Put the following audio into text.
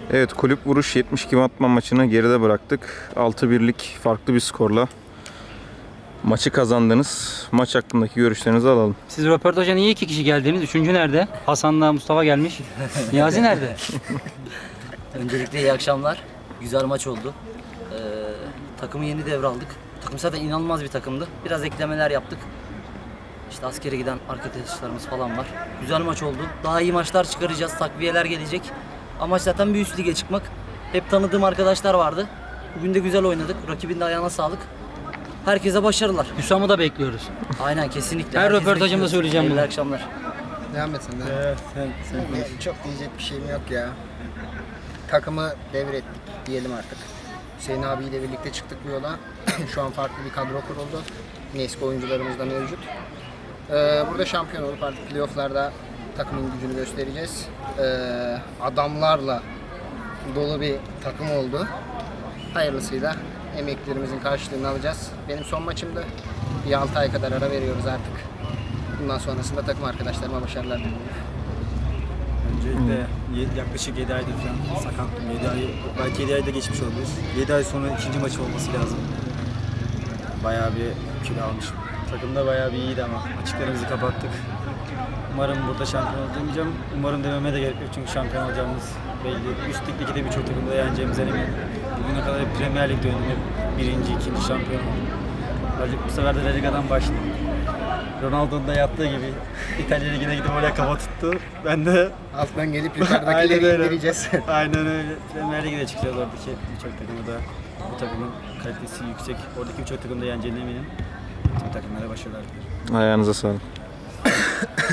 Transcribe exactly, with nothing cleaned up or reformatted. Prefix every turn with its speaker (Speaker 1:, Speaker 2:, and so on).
Speaker 1: Evet, kulüp vuruş yetmiş kim atma maçını geride bıraktık. altı birlik farklı bir skorla maçı kazandınız. Maç hakkındaki görüşlerinizi alalım.
Speaker 2: Siz röportaja niye iki kişi geldiniz? Üçüncü nerede? Hasan'la Mustafa gelmiş. Niyazi nerede?
Speaker 3: Öncelikle iyi akşamlar. Güzel maç oldu. Ee, takımı yeni devraldık. Takım zaten inanılmaz bir takımdı. Biraz eklemeler yaptık. İşte askere giden arkadaşlarımız falan var. Güzel maç oldu. Daha iyi maçlar çıkaracağız. Takviyeler gelecek. Amaç zaten bir üst lige çıkmak. Hep tanıdığım arkadaşlar vardı. Bugün de güzel oynadık. Rakibin de ayağına sağlık. Herkese başarılar.
Speaker 2: Hüsam'ı da bekliyoruz.
Speaker 3: Aynen, kesinlikle.
Speaker 2: Her
Speaker 3: Herkes
Speaker 2: röportajımda
Speaker 3: bekliyoruz.
Speaker 2: söyleyeceğim bunu.
Speaker 3: İyi akşamlar.
Speaker 4: Devam et sen de.
Speaker 5: Evet, sen, sen konuş.
Speaker 4: Ne- Çok diyecek bir şeyim yok ya. Takımı devrettik diyelim artık. Hüseyin abiyle birlikte çıktık bu yola. Şu an farklı bir kadro kuruldu. Yine eski oyuncularımız da mevcut. Ee, burada şampiyon olup artık playofflarda takımın gücünü göstereceğiz. Ee, adamlarla dolu bir takım oldu. Hayırlısıyla emeklerimizin karşılığını alacağız. Benim son maçımdı. Bir altı ay kadar ara veriyoruz artık. Bundan sonrasında takım arkadaşlarıma başarılar diliyorum.
Speaker 5: Öncelikle ye- yaklaşık yedi aydır falan sakattım. yedi ay, belki yedi ayda geçmiş olabilir. yedi ay sonra ikinci maç olması lazım. Bayağı bir kilo almışım. Takımda bayağı bir iyiydi ama açıklarımızı kapattık. Umarım burada şampiyon olacağım. Umarım dememe de gerek yok çünkü şampiyon olacağımız belli. Üst ligdeki de birçok takımda yeneceğimizden eminim. Bugüne kadar hep Premier Lig'de oynadım. Hep birinci, ikinci şampiyon oldum. Artık bu sefer de La Liga'dan başladım. Ronaldo'nun da yaptığı gibi İtalya Ligi'ne gidip oraya kafa tuttu. Ben de
Speaker 4: Alttan gelip
Speaker 5: Aynen
Speaker 4: yukarıdakileri
Speaker 5: öyle.
Speaker 4: indireceğiz.
Speaker 5: Aynen öyle. Premier Lig'e de çıkacağız oradaki birçok takımı da. Bu takımın kalitesi yüksek. Oradaki birçok takımda yeneceğine eminim. Tüm takımlara başarılar dilerim.
Speaker 1: Ayağınıza sağlık.